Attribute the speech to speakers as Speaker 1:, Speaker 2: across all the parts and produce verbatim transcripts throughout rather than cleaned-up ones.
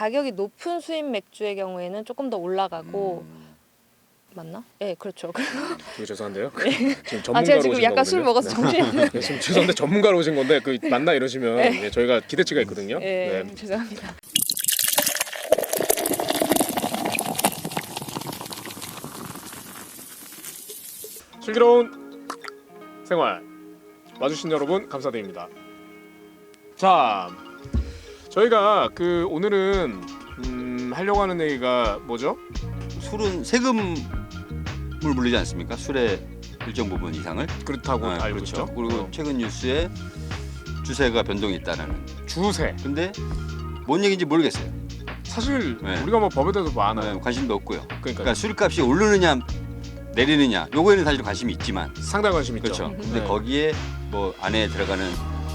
Speaker 1: 가격이 높은 수입 맥주의 경우에는 조금 더 올라가고
Speaker 2: 음.
Speaker 1: 맞나? 네, 그렇죠.
Speaker 2: 되게 죄송한데요.
Speaker 1: 네.
Speaker 2: 지금
Speaker 1: 아
Speaker 2: 전문가로
Speaker 1: 제가
Speaker 2: 오신
Speaker 1: 지금 약간 술
Speaker 2: 거거든요.
Speaker 1: 먹어서
Speaker 2: 네.
Speaker 1: 정신이
Speaker 2: 네, 지금 죄송한데 전문가로 오신 건데 그 맞나 이러시면
Speaker 1: 네.
Speaker 2: 예, 저희가 기대치가 있거든요.
Speaker 1: 네,
Speaker 2: 네.
Speaker 1: 죄송합니다.
Speaker 2: 슬기로운 생활 와주신 여러분 감사드립니다. 자, 저희가 그 오늘은 음, 하려고 하는 얘기가 뭐죠?
Speaker 3: 술은 세금을 물리지 않습니까? 술의 일정 부분 이상을.
Speaker 2: 그렇다고
Speaker 3: 아,
Speaker 2: 알고
Speaker 3: 그렇죠.
Speaker 2: 있죠.
Speaker 3: 그리고
Speaker 2: 어.
Speaker 3: 최근 뉴스에 주세가 변동이 있다는.
Speaker 2: 주세.
Speaker 3: 근데 뭔 얘기인지 모르겠어요.
Speaker 2: 사실
Speaker 3: 네.
Speaker 2: 우리가 뭐 법에 대해서 뭐 아나요?
Speaker 3: 네, 관심도 없고요.
Speaker 2: 그러니까
Speaker 3: 그러니까 술값이 오르느냐 내리느냐 요거에는 사실 관심이 있지만
Speaker 2: 상당히 관심 있죠.
Speaker 3: 그렇죠. 근데
Speaker 2: 네.
Speaker 3: 거기에 뭐 안에 들어가는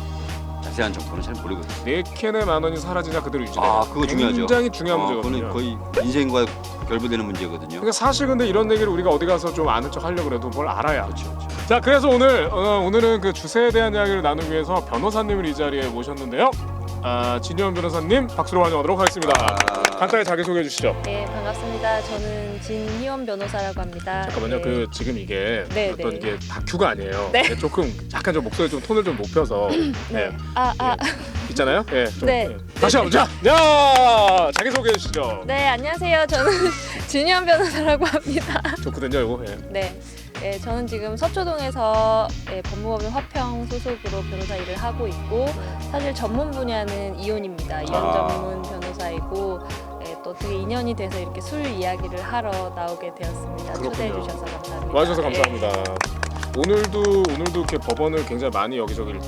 Speaker 3: 자세한 정보는 잘 모르거든요.
Speaker 2: 네 캔에 만 원이 사라지냐 그대로 유지돼요.
Speaker 3: 아, 그거 중요하죠.
Speaker 2: 굉장히 중요한
Speaker 3: 어,
Speaker 2: 문제거든요.
Speaker 3: 그거는 거의 인생과 결부되는 문제거든요.
Speaker 2: 그러니까 사실 근데 이런 얘기를 우리가 어디 가서 좀 아는 척 하려고 해도 뭘 알아야.
Speaker 3: 그렇죠. 그렇죠.
Speaker 2: 자, 그래서 오늘 어, 오늘은 그 주세에 대한 이야기를 나누기 위해서 변호사님을 이 자리에 모셨는데요. 아, 진유원 변호사님 박수로 환영하도록 하겠습니다.
Speaker 3: 아.
Speaker 2: 간단히 자기 소개해 주시죠.
Speaker 1: 네, 반갑습니다. 저는 진희원 변호사라고 합니다.
Speaker 2: 잠깐만요.
Speaker 1: 네.
Speaker 2: 그 지금 이게
Speaker 1: 네,
Speaker 2: 어떤
Speaker 1: 네.
Speaker 2: 이게 다큐가 아니에요.
Speaker 1: 네.
Speaker 2: 네, 조금 약간 좀 목소리 좀 톤을 좀 높여서
Speaker 1: 네.
Speaker 2: 네.
Speaker 1: 아, 아.
Speaker 2: 있잖아요. 예. 좀,
Speaker 1: 네.
Speaker 2: 예. 다시 한번 자, 야 자기 소개해 주시죠.
Speaker 1: 네, 안녕하세요. 저는 진희원 변호사라고 합니다.
Speaker 2: 좋거든요, 이거. 예.
Speaker 1: 네. 네, 저는 지금 서초동에서 예, 법무법인 화평 소속으로 변호사 일을 하고 있고
Speaker 2: 네.
Speaker 1: 사실 전문 분야는 이혼입니다. 이혼
Speaker 3: 아.
Speaker 1: 전문 변호사이고 예, 또 어떻게 인연이 돼서 이렇게 술 이야기를 하러 나오게 되었습니다.
Speaker 2: 그렇군요.
Speaker 1: 초대해 주셔서 감사합니다.
Speaker 2: 와주셔서
Speaker 1: 예.
Speaker 2: 감사합니다. 오늘도 오늘도 이렇게 법원을 굉장히 많이 여기저기를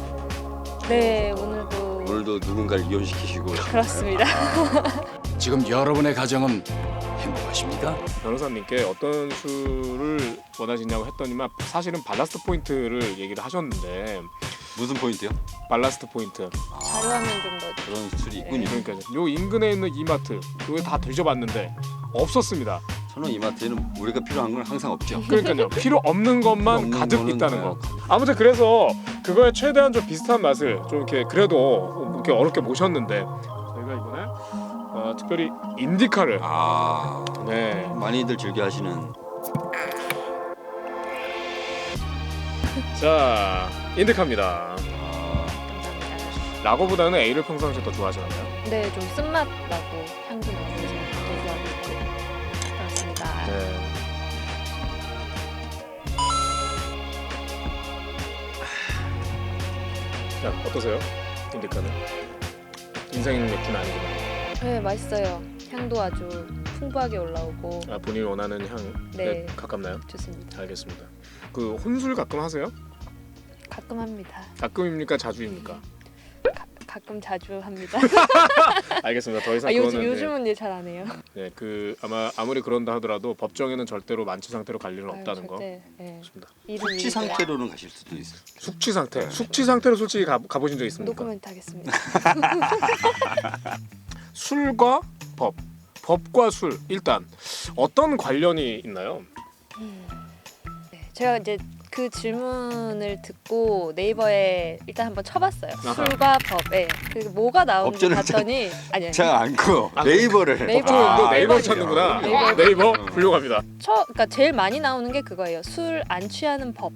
Speaker 1: 네, 오늘도
Speaker 3: 오늘도 누군가를 이혼시키시고
Speaker 1: 그렇습니다.
Speaker 4: 지금 여러분의 가정은 행복하십니까?
Speaker 2: 변호사님께 어떤 술을 원하시냐고 했더니만 사실은 발라스트 포인트를 얘기를 하셨는데
Speaker 3: 무슨 포인트요?
Speaker 2: 발라스트 포인트
Speaker 1: 자료화면 좀 더.
Speaker 3: 그런 술이 있군요.
Speaker 2: 그러니까 요 인근에 있는 이마트 요게 다 뒤져봤는데 없었습니다.
Speaker 3: 저는 이마트에는 우리가 필요한 건 항상 없죠.
Speaker 2: 그러니까요 필요 없는 것만
Speaker 3: 없는
Speaker 2: 가득
Speaker 3: 거는
Speaker 2: 있다는
Speaker 3: 네.
Speaker 2: 거. 아무튼 그래서 그거에 최대한 좀 비슷한 맛을 좀 이렇게 그래도 이렇게 어렵게 모셨는데 저희가 이번에 어, 특별히 인디카를
Speaker 3: 아
Speaker 2: 네.
Speaker 3: 많이들 즐겨 하시는
Speaker 2: 자 인디카입니다.
Speaker 1: 감사합니다.
Speaker 2: 라거보다는 A를 평상시에 더 좋아하시나요?
Speaker 1: 네, 좀 쓴맛 나고 향도 나면서 더 좋아하고 있고 그렇습니다.
Speaker 2: 네. 자 어떠세요? 인디카는 인생 맥주는 아니지만
Speaker 1: 네, 맛있어요. 향도 아주 풍부하게 올라오고
Speaker 2: 아, 본인이 원하는 향에
Speaker 1: 네.
Speaker 2: 가깝나요?
Speaker 1: 좋습니다.
Speaker 2: 알겠습니다. 그 혼술 가끔 하세요?
Speaker 1: 가끔 합니다.
Speaker 2: 가끔입니까? 자주입니까?
Speaker 1: 가, 가끔 자주 합니다.
Speaker 2: 알겠습니다. 더 이상
Speaker 1: 아, 요즘
Speaker 2: 그거는
Speaker 1: 요즘은 이제 잘 안 해요.
Speaker 2: 네, 네, 그 아마 아무리 그런다 하더라도 법정에는 절대로 만취 상태로 갈 일은
Speaker 1: 아유,
Speaker 2: 없다는 거.
Speaker 1: 절대, 네.
Speaker 2: 좋습니다.
Speaker 1: 일은
Speaker 3: 숙취
Speaker 1: 일이고요.
Speaker 3: 상태로는 가실 수도 있어요.
Speaker 2: 숙취 상태. 숙취 상태로 솔직히 가, 가보신 적 있습니까?
Speaker 1: 노코멘트 하겠습니다.
Speaker 2: 술과 법, 법과 술 일단 어떤 관련이 있나요?
Speaker 1: 네, 제가 이제 그 질문을 듣고 네이버에 일단 한번 쳐봤어요.
Speaker 2: 아하.
Speaker 1: 술과 법에 그 뭐가 나오는지
Speaker 3: 법전을
Speaker 1: 봤더니 아니 아니
Speaker 3: 자 않고
Speaker 2: 아,
Speaker 3: 네이버를
Speaker 1: 네이버.
Speaker 2: 법정도
Speaker 1: 아,
Speaker 2: 네이버
Speaker 1: 네이버.
Speaker 2: 찾는구나.
Speaker 1: 네이버.
Speaker 2: 네이버 훌륭합니다.
Speaker 1: 쳐 그러니까 제일 많이 나오는 게 그거예요. 술 안 취하는 법.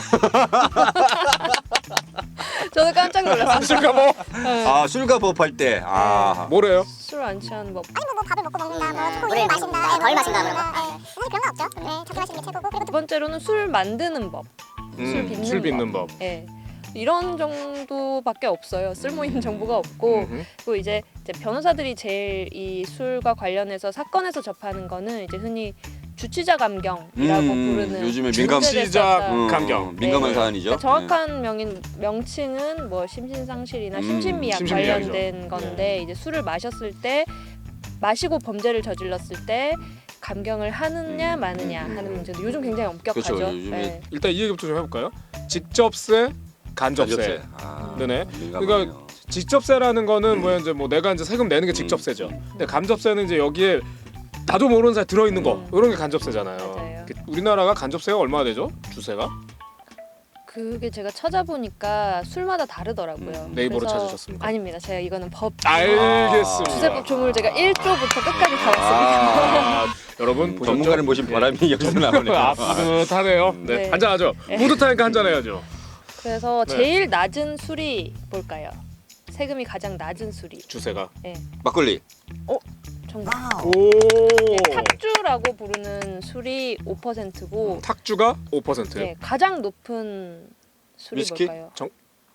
Speaker 1: 저도 깜짝 놀랐어요.
Speaker 2: 술과 뭐
Speaker 3: 아 술과 법할 때 아
Speaker 2: 뭐래요?
Speaker 1: 술 안 취하는 법.
Speaker 5: 아니 뭐, 뭐 밥을 먹고 먹는다, 뭐 초코우유를 마신다, 덜 마신다, 뭐 사실 그런 건 없죠. 네, 적게 마시는 게 최고고 그리고
Speaker 1: 두 번째로는 술 만드는 법. 술
Speaker 2: 음,
Speaker 1: 빚는
Speaker 2: 술
Speaker 1: 법.
Speaker 2: 빚는 법.
Speaker 1: 예. 이런 정도밖에 없어요. 쓸모 있는 정보가 없고
Speaker 2: 음흠.
Speaker 1: 그리고 이제, 이제 변호사들이 제일 이 술과 관련해서 사건에서 접하는 거는 이제 흔히 주치자 감경이라고
Speaker 3: 음,
Speaker 1: 부르는
Speaker 3: 요즘에 민감
Speaker 2: 주치자
Speaker 1: 음,
Speaker 2: 감경.
Speaker 3: 민감한
Speaker 1: 네.
Speaker 3: 사안이죠.
Speaker 1: 그러니까 정확한 명인 명칭은 뭐 심신상실이나
Speaker 3: 음,
Speaker 1: 심신미약
Speaker 2: 심신미약이죠.
Speaker 1: 관련된 건데 이제 술을 마셨을 때 마시고 범죄를 저질렀을 때 감경을 하느냐
Speaker 3: 음,
Speaker 1: 마느냐
Speaker 3: 음,
Speaker 1: 하는
Speaker 3: 음.
Speaker 1: 문제도 요즘 굉장히 엄격하죠.
Speaker 3: 그렇죠. 요즘에
Speaker 1: 네.
Speaker 2: 일단 이 얘기부터 좀 해볼까요? 직접세, 간접세.
Speaker 3: 아,
Speaker 2: 네네.
Speaker 3: 민감하네요.
Speaker 2: 그러니까 직접세라는 거는 뭐야 이제 뭐 내가 이제 세금 내는 게 직접세죠. 근데 간접세는 이제 여기에 나도 모르는 사이 들어 있는 거
Speaker 1: 음.
Speaker 2: 이런 게 간접세잖아요.
Speaker 1: 맞아요.
Speaker 2: 그 우리나라가 간접세가 얼마나 되죠? 주세가?
Speaker 1: 그게 제가 찾아보니까 술마다 다르더라고요.
Speaker 2: 음, 네이버로
Speaker 1: 그래서-
Speaker 2: 찾으셨습니까?
Speaker 1: 아닙니다. 제가 이거는 법
Speaker 2: 알겠습니다.
Speaker 1: 주세법 조문을 제가 일 조부터 끝까지 다 봤습니다.
Speaker 2: 아, 여러분
Speaker 3: 음,
Speaker 2: 보셨죠?
Speaker 3: 전문가를 모신 바람이 여기서 나오네요.
Speaker 2: 아, 뿌듯하네요. 네,
Speaker 1: 네.
Speaker 2: 한잔하죠.
Speaker 1: 네.
Speaker 2: 뿌듯하니까 한잔해야죠.
Speaker 1: 그래서
Speaker 2: 네.
Speaker 1: 제일 낮은 술이 뭘까요? 세금이 가장 낮은 술이.
Speaker 2: 주세가.
Speaker 3: 막걸리.
Speaker 1: 정답.
Speaker 2: 오.
Speaker 1: 네, 탁주라고 부르는 술이 오 퍼센트고
Speaker 2: 탁주가 오 퍼센트.
Speaker 1: 네, 가장 높은 술이
Speaker 3: 위스키?
Speaker 1: 뭘까요?
Speaker 2: 정-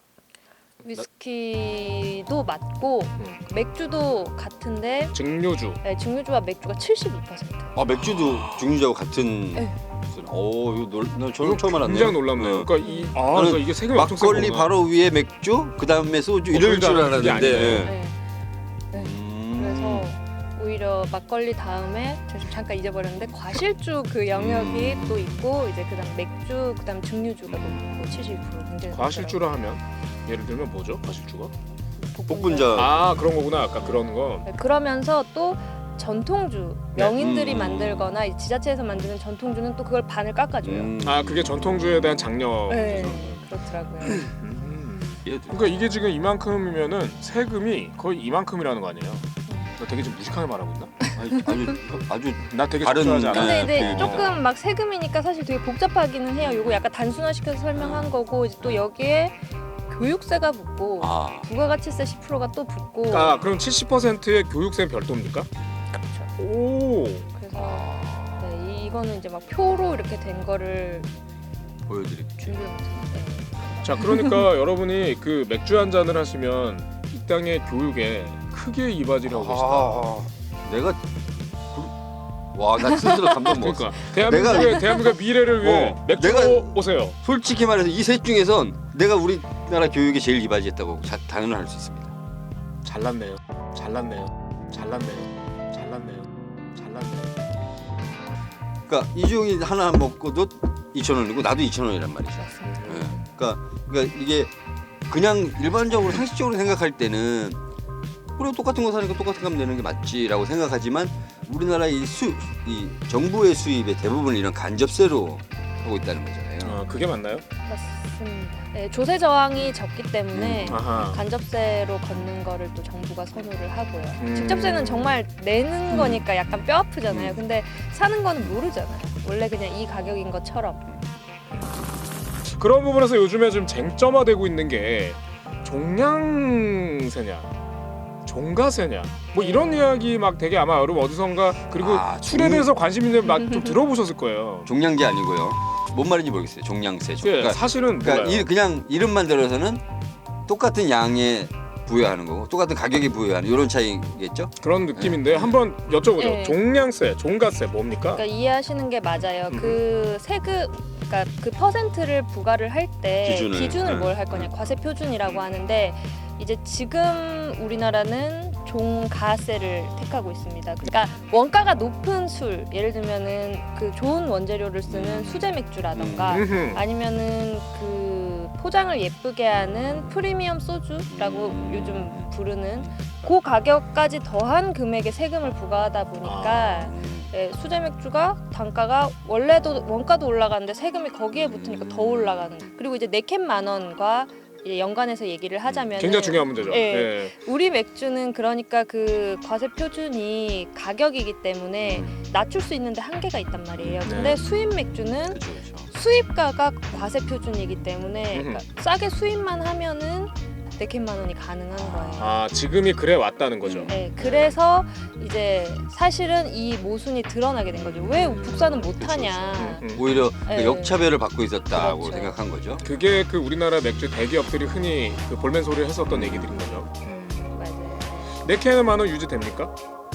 Speaker 1: 위스키도 맞고
Speaker 2: 음.
Speaker 1: 맥주도 같은데
Speaker 2: 증류주.
Speaker 1: 네, 증류주와 맥주가 칠십이 퍼센트.
Speaker 3: 아 맥주도 증류주하고 같은.
Speaker 1: 네.
Speaker 3: 오 이거 놀, 나 저는
Speaker 2: 이거
Speaker 3: 처음 알았네요.
Speaker 2: 굉장히 놀랍네요.
Speaker 3: 어.
Speaker 2: 그러니까 이 아,
Speaker 3: 저는
Speaker 2: 그러니까 이게 세금이 엄청 센
Speaker 3: 막걸리
Speaker 2: 거구나.
Speaker 3: 바로 위에 맥주, 그 다음에 소주
Speaker 2: 어,
Speaker 3: 이럴 줄
Speaker 2: 그게
Speaker 3: 알았는데.
Speaker 2: 아니네요.
Speaker 3: 예.
Speaker 1: 네.
Speaker 3: 음.
Speaker 1: 그래서 오히려 막걸리 다음에 저 지금 잠깐 잊어버렸는데 과실주 그 영역이
Speaker 3: 음.
Speaker 1: 또 있고 이제 그다음 맥주 그다음 증류주가 높고 칠십이 퍼센트 굉장히
Speaker 2: 과실주라 하면 예를 들면 뭐죠? 과실주가?
Speaker 1: 높더라고요.
Speaker 3: 복분자.
Speaker 2: 아 그런 거구나. 아까 그런 거.
Speaker 1: 네, 그러면서 또 전통주 명인들이
Speaker 3: 음.
Speaker 1: 만들거나 이 지자체에서 만드는 전통주는 또 그걸 반을 깎아줘요.
Speaker 3: 음.
Speaker 2: 아 그게 전통주에 대한 장려.
Speaker 1: 네, 그렇더라고요.
Speaker 2: 음.
Speaker 3: 예.
Speaker 2: 그러니까 이게 지금 이만큼이면은 세금이 거의 이만큼이라는 거 아니에요? 나 되게 좀 무식하게 말하고 있나?
Speaker 3: 아주 아주 아주
Speaker 2: 나 되게
Speaker 3: 다른-
Speaker 2: 적절하지 않아?
Speaker 1: 근데
Speaker 3: 네,
Speaker 1: 이제
Speaker 3: 그-
Speaker 1: 조금 막 세금이니까 사실 되게 복잡하기는 해요. 요거 약간 단순화시켜서 설명한 거고 이제 또 여기에 교육세가 붙고
Speaker 3: 아.
Speaker 1: 부가가치세 십 퍼센트가 또 붙고
Speaker 2: 아 그럼 칠십 퍼센트의 교육세 별도입니까?
Speaker 1: 그렇죠.
Speaker 2: 오.
Speaker 1: 그래서 네, 이- 이거는 이제 막 표로 이렇게 된 거를
Speaker 3: 보여드릴게요.
Speaker 1: 준비를 못했는데
Speaker 2: 자 그러니까 여러분이 그 맥주 한 잔을 하시면 이 땅의 교육에 크게 이바지를 하고 계시다.
Speaker 3: 아, 내가 와나 스스로 감동 먹었어.
Speaker 2: 그러니까 대한민국의 대한민국의 미래를 위해
Speaker 3: 어,
Speaker 2: 맥주로
Speaker 3: 내가-
Speaker 2: 오세요.
Speaker 3: 솔직히 말해서 이 셋 중에선 내가 우리나라 교육에 제일 이바지했다고 자, 단언할 수 있습니다.
Speaker 2: 잘났네요. 잘났네요. 잘났네요. 잘났네요. 잘났네요.
Speaker 3: 그러니까 이종이 하나 먹고도 이천 원이고 나도 이천 원이란 말이죠.
Speaker 1: 맞습니다.
Speaker 3: 예. 그러니까, 그러니까 이게 그냥 일반적으로 상식적으로 생각할 때는 그래 똑같은 거 사니까 똑같은 값 내는 게 맞지라고 생각하지만 우리나라 이 수, 이 정부의 수입의 대부분을 이런 간접세로 하고 있다는 거잖아요.
Speaker 2: 아 그게 맞나요?
Speaker 1: 맞습니다. 네, 조세 저항이 적기 때문에
Speaker 2: 아하.
Speaker 1: 간접세로 걷는 거를 또 정부가 선호를 하고요.
Speaker 2: 음.
Speaker 1: 직접세는 정말 내는
Speaker 3: 음.
Speaker 1: 거니까 약간 뼈 아프잖아요.
Speaker 3: 음.
Speaker 1: 근데 사는 거는 모르잖아요. 원래 그냥 이 가격인 것처럼.
Speaker 2: 그런 부분에서 요즘에 좀 쟁점화되고 있는 게 종량세냐 종가세냐 뭐 이런 이야기 막 되게 아마 여러분 어디선가 그리고
Speaker 3: 아,
Speaker 2: 술에
Speaker 3: 종-
Speaker 2: 대해서 관심 있는 막 좀 들어보셨을 거예요.
Speaker 3: 종량제 아니고요. 뭔 말인지 모르겠어요. 종량세.
Speaker 2: 예,
Speaker 3: 그러니까,
Speaker 2: 사실은
Speaker 3: 그러니까
Speaker 2: 몰라요.
Speaker 3: 이, 그냥 이름만 들어서는 똑같은 양에 부여하는 거고 똑같은 가격에 부여하는 이런 차이겠죠?
Speaker 2: 그런 느낌인데 한번 여쭤보죠.
Speaker 1: 네.
Speaker 2: 종량세, 종가세 뭡니까?
Speaker 1: 그러니까 이해하시는 게 맞아요.
Speaker 2: 음.
Speaker 1: 그 세금, 그러니까 그 퍼센트를 부과를 할 때
Speaker 3: 기준을,
Speaker 1: 기준을
Speaker 3: 네.
Speaker 1: 뭘 할 거냐, 과세 표준이라고 하는데 이제 지금 우리나라는 종가세를 택하고 있습니다. 그러니까 원가가 높은 술, 예를 들면은 그 좋은 원재료를 쓰는 수제 맥주라던가
Speaker 2: 음흠.
Speaker 1: 아니면은 그 포장을 예쁘게 하는 프리미엄 소주라고
Speaker 3: 음.
Speaker 1: 요즘 부르는 그 가격까지 더한 금액의 세금을 부과하다 보니까 예, 수제 맥주가 단가가 원래도 원가도 올라가는데 세금이 거기에 붙으니까 더 올라가는. 그리고 이제 네 캔 만 원과 이제 연관해서 얘기를 하자면
Speaker 2: 굉장히 중요한 문제죠.
Speaker 1: 예.
Speaker 2: 예.
Speaker 1: 우리 맥주는 그러니까 그 과세 표준이 가격이기 때문에 낮출 수 있는데 한계가 있단 말이에요. 근데
Speaker 2: 네.
Speaker 1: 수입 맥주는
Speaker 3: 그렇죠, 그렇죠.
Speaker 1: 수입가가 과세 표준이기 때문에
Speaker 2: 음흠.
Speaker 1: 그러니까 싸게 수입만 하면은 네 캔 만 원이 가능한 거예요.
Speaker 2: 아 지금이 그래 왔다는 거죠.
Speaker 1: 네, 그래서 이제 사실은 이 모순이 드러나게 된 거죠. 왜 국산은 못하냐.
Speaker 2: 음, 음.
Speaker 3: 오히려
Speaker 1: 네.
Speaker 3: 그 역차별을 받고 있었다고
Speaker 1: 그렇죠.
Speaker 3: 생각한 거죠.
Speaker 2: 그게 그 우리나라 맥주 대기업들이 흔히 그 볼멘 소리를 했었던 얘기들인 거죠.
Speaker 1: 음, 맞아요.
Speaker 2: 네 캔에 만 원 유지됩니까?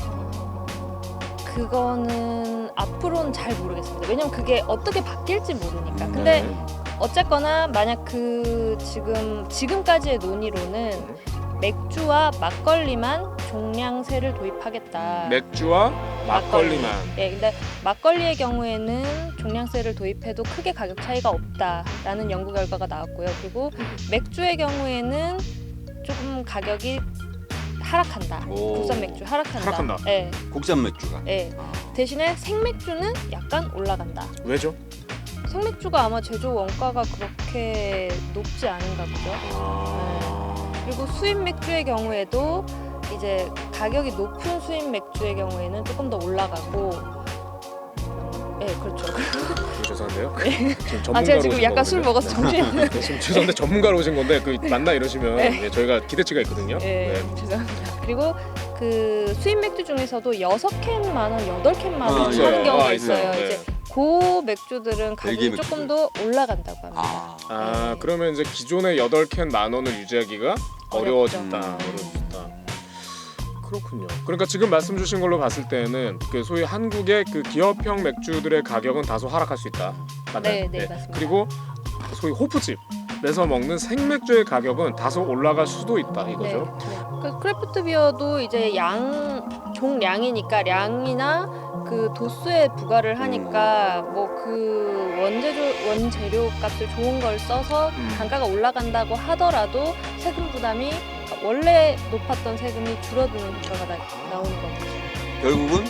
Speaker 1: 그거는 앞으로는 잘 모르겠습니다. 왜냐면 그게 어떻게 바뀔지 모르니까.
Speaker 3: 음,
Speaker 1: 근데
Speaker 2: 네.
Speaker 1: 어쨌거나 만약 그 지금 지금까지의 논의로는 맥주와 막걸리만 종량세를 도입하겠다.
Speaker 2: 맥주와 막걸리만.
Speaker 1: 네, 근데 막걸리의 경우에는 종량세를 도입해도 크게 가격 차이가 없다라는 연구 결과가 나왔고요. 그리고 맥주의 경우에는 조금 가격이 하락한다.
Speaker 3: 오.
Speaker 1: 국산 맥주 하락한다.
Speaker 2: 하락한다.
Speaker 1: 네,
Speaker 3: 국산 맥주가.
Speaker 1: 네.
Speaker 3: 아.
Speaker 1: 대신에 생맥주는 약간 올라간다.
Speaker 2: 왜죠?
Speaker 1: 생맥주가 아마 제조 원가가 그렇게 높지 않은가 보죠.
Speaker 2: 아...
Speaker 1: 그리고 수입 맥주의 경우에도 이제 가격이 높은 수입 맥주의 경우에는 조금 더 올라가고. 네, 그렇죠.
Speaker 2: 죄송한데요.
Speaker 1: 네.
Speaker 2: 지금 전문가로
Speaker 1: 아, 제가 지금
Speaker 2: 오신
Speaker 1: 약간 술
Speaker 2: 거거든요.
Speaker 1: 먹어서 정신이
Speaker 2: 네, 지금 죄송한데 전문가로 오신 건데 그 맞나 이러시면
Speaker 1: 네.
Speaker 2: 네, 저희가 기대치가 있거든요.
Speaker 1: 네,
Speaker 2: 네.
Speaker 1: 죄송합니다. 그리고 그 수입 맥주 중에서도 여섯 캔 만 원, 여덟 캔 만 원
Speaker 3: 아,
Speaker 1: 하는
Speaker 2: 예.
Speaker 1: 경우가
Speaker 2: 아,
Speaker 1: 있어요.
Speaker 2: 있어요. 네.
Speaker 1: 이제 그 맥주들은 가격이
Speaker 3: 벨기에
Speaker 1: 조금
Speaker 3: 맥주들.
Speaker 1: 더 올라간다고 합니다.
Speaker 3: 아,
Speaker 2: 아 그러면 이제 기존의 여덟 캔 만 원을 유지하기가 어려워졌다.
Speaker 3: 어렵죠.
Speaker 2: 어려워졌다. 그렇군요. 그러니까 지금 말씀 주신 걸로 봤을 때는 그 소위 한국의 그 기업형 맥주들의 가격은 다소 하락할 수 있다. 맞나요?
Speaker 1: 네, 네, 맞습니다.
Speaker 2: 그리고 소위 호프집에서 먹는 생맥주의 가격은 다소 올라갈 수도 있다 이거죠.
Speaker 1: 네, 네. 그 크래프트 비어도 이제 양 종량이니까 량이나 그 도수에 부과를 하니까 뭐 그 원재료 원재료 값을 좋은 걸 써서
Speaker 2: 음.
Speaker 1: 단가가 올라간다고 하더라도 세금 부담이 원래 높았던 세금이 줄어드는 효과가 나, 나오는 거죠.
Speaker 3: 결국은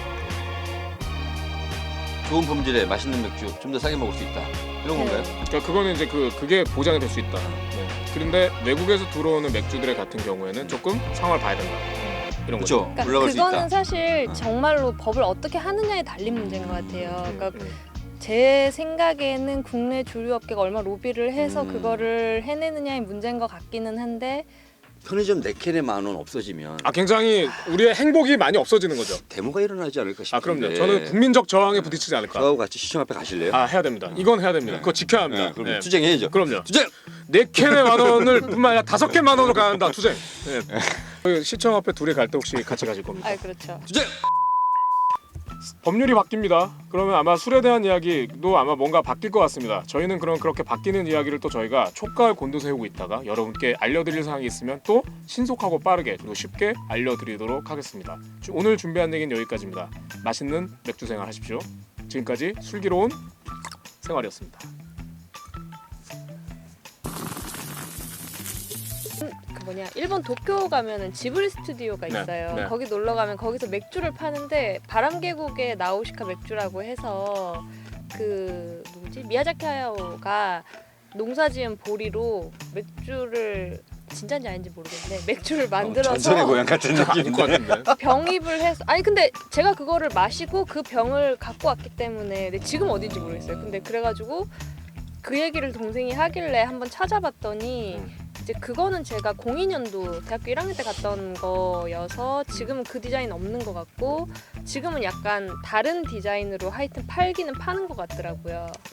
Speaker 3: 좋은 품질의 맛있는 맥주 좀 더 싸게 먹을 수 있다. 이런
Speaker 1: 네.
Speaker 3: 건가요?
Speaker 2: 그러니까 그거는 이제 그 그게 보장이 될 수 있다. 네. 그런데 외국에서 들어오는 맥주들 같은 경우에는 조금 상황을 봐야 된다. 이런 거죠.
Speaker 3: 그렇죠.
Speaker 1: 그러니까
Speaker 3: 올라갈 수
Speaker 1: 그거는
Speaker 3: 있다.
Speaker 1: 사실 정말로 법을 어떻게 하느냐에 달린 문제인 것 같아요. 그러니까
Speaker 2: 음, 음.
Speaker 1: 제 생각에는 국내 조류업계가 얼마 로비를 해서
Speaker 3: 음.
Speaker 1: 그거를 해내느냐의 문제인 것 같기는 한데
Speaker 3: 편의점 네 캔에 만 원 없어지면
Speaker 2: 아 굉장히 우리의 행복이 많이 없어지는 거죠.
Speaker 3: 데모가 일어나지 않을까 싶은데.
Speaker 2: 아 그럼요. 저는 국민적 저항에 부딪히지 않을까.
Speaker 3: 저하고 같이 시청 앞에 가실래요?
Speaker 2: 아 해야 됩니다. 이건 해야 됩니다. 그거 지켜야 합니다.
Speaker 3: 네, 그럼
Speaker 2: 네.
Speaker 3: 투쟁해야죠.
Speaker 2: 그럼요.
Speaker 3: 투쟁.
Speaker 2: 네 캔에 만 원을 뿐만 아니라 다섯 캔 만 원으로 가는다 투쟁. 네. 저희 시청 앞에 둘이 갈 때 혹시 같이 가실 겁니까?
Speaker 1: 아 그렇죠.
Speaker 3: 투쟁.
Speaker 2: 법률이 바뀝니다. 그러면 아마 술에 대한 이야기도 아마 뭔가 바뀔 것 같습니다. 저희는 그럼 그렇게 바뀌는 이야기를 또 저희가 촉각을 곤두세우고 있다가 여러분께 알려드릴 사항이 있으면 또 신속하고 빠르게 그리고 쉽게 알려드리도록 하겠습니다. 주- 오늘 준비한 얘기는 여기까지입니다. 맛있는 맥주 생활 하십시오. 지금까지 슬기로운 생활이었습니다.
Speaker 1: 그 뭐냐 일본 도쿄 가면은 지브리 스튜디오가
Speaker 2: 네,
Speaker 1: 있어요.
Speaker 2: 네.
Speaker 1: 거기 놀러 가면 거기서 맥주를 파는데 바람계곡의 나우시카 맥주라고 해서 그 누구지 미야자키 하야오가 농사지은 보리로 맥주를 진짜인지 아닌지 모르겠는데 맥주를 만들어서
Speaker 3: 전설의 고향 같은
Speaker 2: 아닐 것
Speaker 3: 느낌인데.
Speaker 2: 같은데.
Speaker 1: 병입을 해서 아니 근데 제가 그거를 마시고 그 병을 갖고 왔기 때문에 근데 지금 어딘지 모르겠어요. 근데 그래가지고 그 얘기를 동생이 하길래 한번 찾아봤더니
Speaker 2: 음.
Speaker 1: 이제 그거는 제가 공이 년도 대학교 일 학년 때 갔던 거여서 지금은 그 디자인 없는 것 같고 지금은 약간 다른 디자인으로 하여튼 팔기는 파는 것 같더라고요.